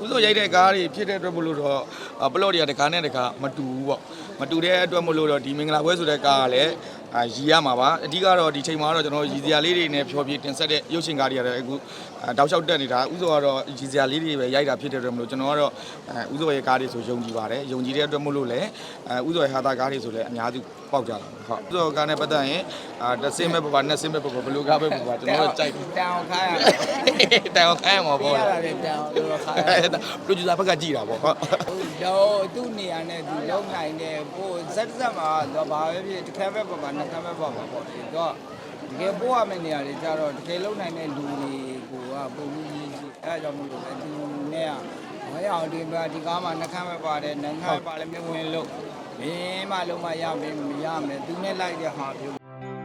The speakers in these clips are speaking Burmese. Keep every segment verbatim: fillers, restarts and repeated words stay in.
ဥဆိုရိုက်တဲ့ကားတွေဖြစ်တဲ့အတွက်မလို့တော့ပလော့တွေကတကားနဲ့တကားမတူဘူးပေါ့မတူတဲ့အတွက်မလို့တော့ဒီမင်္ဂလာပွဲဆိုတဲ့ကားကလည်းအာရည်ရမှာပါအဓိကတော့ဒီချိန်မှာတော့ကျွန်တော်ရည်စရာလေးတွေနဲ့ဖြောပြတင်ဆက်တဲ့ရုပ်ရှင်ကားတွေရတယ်အခုတောက်လျှောက်တက်နေတာဥဆိုကတော့ရည်စရာလေးတွေပဲရိုက်တာဖြစ်တဲ့အတွက်မလို့ကျွန်တော်ကတော့ဥဆိုရဲ့ကားတွေဆိုယုံကြည်ပါတယ်ယုံကြည်တဲ့အတွက်မလို့လည်းဥဆိုရဲ့ဟာတာကားတွေဆိုလည်းအများစုပေါက်ကြတာဟုတ်ဥဆိုကားနဲ့ပတ်သက်ရင်အာတစ်စင်းမဲ့ပပနှစ်စင်းမဲ့ပပဘလူကားပဲပပကျွန်တော်တို့ကြိုက်တန်အောင်ခိုင်းရတန်အောင်ခိုင်းရမှာပေါ့ရတယ်တန်အောင်လို့ခိုင်းရပရိုဂျူဆာဘက်ကကြည်တာပေါ့ဟုတ်တော့သူ့နေရာနဲ့သူလုံနိုင်တယ်ပို့ဇက်ဇက်မှာတော့ဘာပဲဖြစ်တစ်ခါပဲပပနှစ်ခါပဲပပပေါ့လေတော့တကယ်ပို့ရမယ့်နေရာတွေကြတော့တကယ်လုံနိုင်တဲ့လူတွေကိုကပုံမှုကြီးရှိအဲဒါကြောင့်မို့လို့ပဲဒီနဲ့ကမရအောင်ဒီဒီကားမှာနှစ်ခါပဲပါတယ်နှစ်ခါပါလည်းမဝင်လို့မင်းမလုံးမရမင်းမရမယ်သူနဲ့လိုက်တဲ့ဟာမျိုး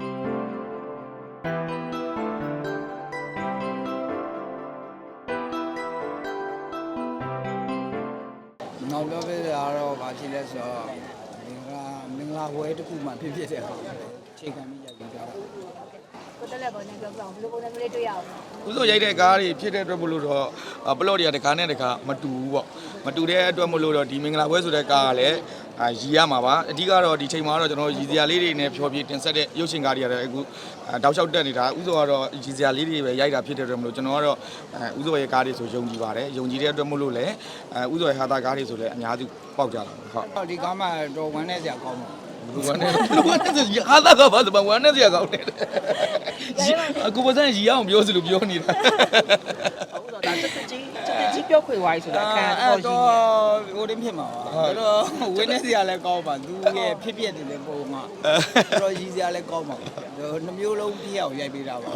နောက်တော့ပဲတော့ဗာဖြစ်လဲဆိုတော့မင်္ဂလာမင်္ဂလာဝဲတစ်ခုမှဖြစ်ဖြစ်တဲ့ဟာချိန်ခံပြီးရိုက်ပြီးကြတာကိုတက်လက်ပေါ်နဲ့ပြောပြအောင်ဘယ်လိုပုံစံမျိုးလေးတွေ့ရအောင်ဥဆိုရိုက်တဲ့ကားတွေဖြစ်တဲ့အတွက်မလို့တော့ပလော့တွေကတကားနဲ့တကားမတူဘူးပေါ့မတူတဲ့အတွက်မလို့တော့ဒီမင်္ဂလာပွဲဆိုတဲ့ကားကလည်းအာရည်ရမှာပါအဓိကတော့ဒီချိန်မှာတော့ကျွန်တော်ရည်စရာလေးတွေနဲ့ဖြောပြတင်ဆက်တဲ့ရုပ်ရှင်ကားတွေရတယ်အခုတောက်လျှောက်တက်နေတာဥဆိုကတော့ရည်စရာလေးတွေပဲရိုက်တာဖြစ်တဲ့အတွက်မလို့ကျွန်တော်ကတော့ဥဆိုရဲ့ကားတွေဆိုယုံကြည်ပါတယ်ယုံကြည်တဲ့အတွက်မလို့လည်းဥဆိုရဲ့ဟာတာကားတွေဆိုလည်းအများစုပေါက်ကြတာဟုတ်ဒီကားမှာတော့ဝမ်းနဲ့စရာကောင်းပါဘူးဝမ်းနဲ့ဝမ်းနဲ့ဟာတာကဘာဆိုဝမ်းနဲ့စရာကောင်းတယ်အခုပစံရီအောင်ပြောစလို့ပြောနေတာဟုတ်တော့ဒါတက်တက်ကြီးတက်တက်ကြီးပြောခွေဝိုင်းဆိုတာခံတော့တော့ဟိုတင်းဖြစ်မှာပါတော့ဝင်းနေစရာလည်းကောင်းပါသူရဲ့ဖြစ်ဖြစ်တယ်လေပုံမှာတော့ရည်စရာလည်းကောင်းပါနှမျိုးလုံးပြည့်အောင်ရိုက်ပေးတာပါ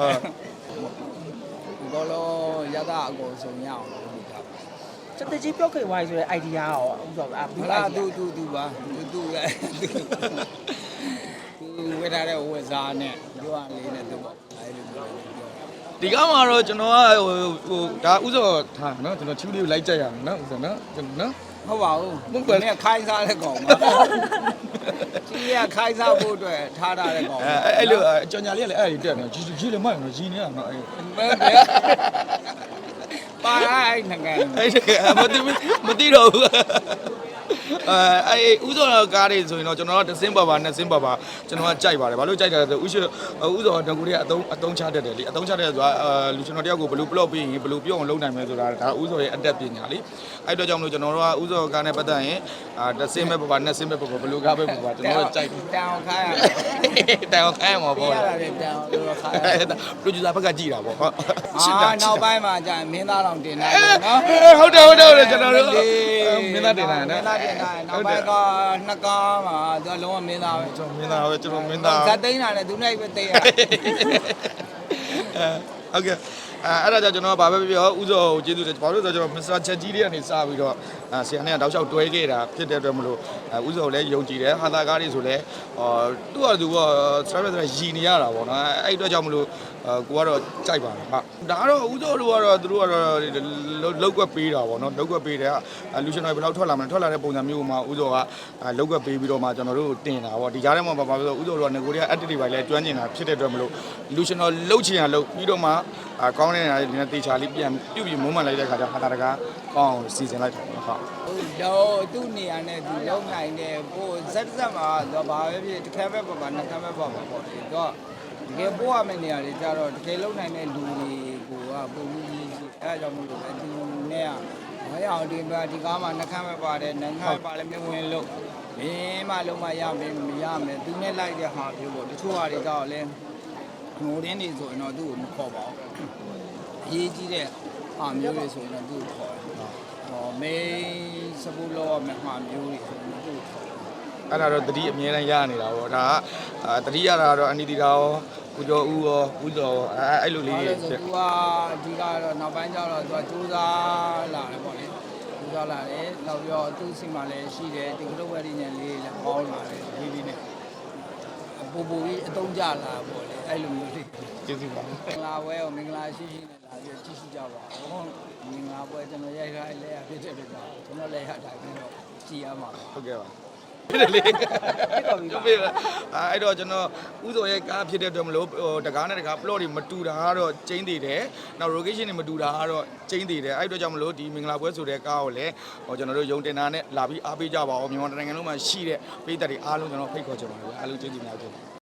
ဘောလုံးရတာအကုန်ဆုံးရအောင်လုပ်တာတက်တက်ကြီးပြောခွေဝိုင်းဆိုတဲ့ idea ရောဥစ္စာအဘူးလားသူသူသူပါသူသူရဲ့သူဝေထားတဲ့ဝက်စားနဲ့ပြောရလေးနဲ့သူပေါ့အဲလိုပြောဒီကမှာတော့ကျွန်တော်ကဟိုဟိုဒါဥစောထားနော်ကျွန်တော်ချူလေးကိုလိုက်ကြရအောင်နော်ဥစောနော်ကျွန်တော်နော်ဟုတ်ပါဘူးမဟုတ်ဘူးခိုင်းစားတဲ့ကောင်ပါချီလေးကခိုင်းစားဖို့အတွက်ထားထားတဲ့ကောင်အဲအဲ့လိုကြော်ညာလေးကလည်းအဲ့ဒီတက်နော်ကြီးကြီးလည်းမဟုတ်နော်ကြီးနေတာနော်အဲ့ပါလိုက်ငကန်အဲ့မသိမသိတော့ဘူးအဲအဲဥစောကားတွေဆိုရင်တော့ကျွန်တော်ကတစ်စင်းပါပါနှစ်စင်းပါပါကျွန်တော်ကကြိုက်ပါတယ်ဘာလို့ကြိုက်တယ်ဆိုဥရှိဥစောတကူတွေကအတုံးအတုံးချတတ်တယ်လေအတုံးချတတ်ဆိုတာလူကျွန်တော်တယောက်ကိုဘယ်လိုပလော့ပြီးရင်ဘယ်လိုပြောအောင်လုပ်နိုင်မလဲဆိုတာဒါဥစောရဲ့အတက်ပညာလေအဲ့တော့ကြောင့်မလို့ကျွန်တော်တို့ကဥစောကားနဲ့ပတ်သက်ရင်အာတစ်စင်းပဲပါပါနှစ်စင်းပဲပါပါဘယ်လိုကားပဲပါပါကျွန်တော်တို့ကြိုက်တန်အောင်ခိုင်းရတန်အောင်ခိုင်းမှာပေါ့ရတယ်တန်အောင်လို့ခိုင်းရပရိုဂျူဆာဘက်ကကြည်တာပေါ့ဟုတ်အာနောက်ပိုင်းမှာကြာမင်းသားတော်တင်နိုင်တယ်နော်ဟုတ်တယ်ဟုတ်တယ်ဟုတ်တယ်ကျွန်တော်တို့မင်းသားတင်နိုင်တယ်မင်းသားတင်နိုင်နောက်ပိုင်းကနှစ်ကားမှာသူကလုံးဝမင်းသားပဲကျွန်တော်မင်းသားပဲကျွန်တော်မင်းသားဇက်သိန်းတာနဲ့သူနဲ့ပဲသိရအဲဟုတ်ကဲ့အဲအဲ့ဒါကြောင့်ကျွန်တော်ကဘာပဲပြောဥစောကိုကျေးဇူးတယ်ဘာလို့ဆိုတော့ကျွန်တော်မစ္စတာချက်ကြီးလေးကနေစပြီးတော့ဆရာနဲ့တောက်လျှောက်တွဲခဲ့တာဖြစ်တဲ့အတွက်မလို့ဥစောကိုလည်းယုံကြည်တယ်ဟာသာကားတွေဆိုလည်းသူ့ဟာသူကစရပဲဆိုရည်နေရတာပေါ့နော်အဲ့အတွက်ကြောင့်မလို့ကိုကတော့ကြိုက်ပါတယ်ဟာဒါကတော့ဥစောတို့ကတော့သူတို့ကတော့လောက်ကွက်ပေးတာပေါ့နော်လောက်ကွက်ပေးတယ်လူရှင်တွေဘယ်လောက်ထွက်လာမလဲထွက်လာတဲ့ပုံစံမျိုးမှာဥစောကလောက်ကွက်ပေးပြီးတော့မှကျွန်တော်တို့တင်တာပေါ့ဒီကြားထဲမှာဘာလို့ဆိုဥစောတို့ကငကိုတွေက active တွေလည်းကျွမ်းကျင်တာဖြစ်တဲ့အတွက်မလို့လူရှင်တော်လှုပ်ချင်ရလှုပ်ပြီးတော့မှကောင်းတဲ့နေရာတွေနဲ့တေချာလေးပြန်ပြုတ်ပြီးမုန်းမှန်လိုက်တဲ့ခါကျဟာတာတကားကောင်းအောင်စီစဉ်လိုက်တာပေါ့ဟုတ်တော့သူ့နေရာနဲ့သူလုံနိုင်တယ်ပို့ဇက်ဇက်မှာတော့ဘာပဲဖြစ်တစ်ခါပဲပပနှစ်ခါပဲပပပေါ့လေတော့တကယ်ပို့ရမယ့်နေရာတွေကြတော့တကယ်လုံနိုင်တဲ့လူတွေကိုကပုံမှုကြီးရှိအဲဒါကြောင့်မို့လို့ပဲဒီနဲ့ကမရအောင်ဒီဒီကားမှာနှစ်ခါပဲပါတယ်နှစ်ခါပါလည်းမဝင်လို့မင်းမလုံးမရမင်းမရမယ်သူနဲ့လိုက်တဲ့ဟာမျိုးပေါ့တချို့ဟာတွေကြတော့လဲငိုတင်းနေဆိုရင်တော့သူ့ကိုမခေါ်ပါဘူးအရေးကြီးတဲ့ဟာမျိုးတွေဆိုရင်တော့သူ့ကိုခေါ်တယ်ဟောမေးစပူလောမဟာမျိုးတွေဆိုရင်သူ့ကိုခေါ်တယ်အဲ့ဒါတော့တတိအမြဲတမ်းရနေတာပေါ့ဒါကတတိရတာတော့အနိတိတာရောဦးကျော်ဦးရောဦးစောအဲအဲ့လိုလေးတွေသူကအဓိကတော့နောက်ပိုင်းကျတော့သူကစူးစမ်းလာတယ်ပေါ့လေစူးစမ်းလာတယ်နောက်ပြီးတော့သူ့စီမှာလည်းရှိတယ်ဒီကလုတ်ဝဲဒီညံလေးလည်းပေါင်းလာတယ်ဒီဒီနဲ့ပူပူကြီးအတုံးကြလာပေါ့လေအဲ့လိုမျိုးလေးကျေးဇူးပါမင်္ဂလာပွဲကိုမင်္ဂလာရှိရှိနဲ့လာပြီးကြည့်ရှိကြပါဦးမင်္ဂလာပွဲကျွန်တော်ရိုက်ထားလဲရဖြစ်တဲ့အတွက်ကျွန်တော်လည်းရတာပြီးတော့ကြည်ရမှာဟုတ်ကဲ့ပါဖြစ်တယ်လေကျုပ်ပြအဲ့တော့ကျွန်တော်ဥစောရဲ့ကားဖြစ်တဲ့အတွက်မလို့ဟိုတကားနဲ့တကား plot တွေမတူတာကတော့ကျင်းသေးတယ်နောက် location တွေမတူတာကတော့ကျင်းသေးတယ်အဲ့အတွက်ကြောင့်မလို့ဒီမင်္ဂလာပွဲဆိုတဲ့ကားကိုလည်းဟိုကျွန်တော်တို့ယုံတင်တာနဲ့လာပြီးအားပေးကြပါဦးမြန်မာနိုင်ငံလုံးမှာရှိတဲ့ပြည်သက်တွေအားလုံးကျွန်တော်ဖိတ်ခေါ်ချင်ပါတယ်အားလုံးကျေးဇူးများတင်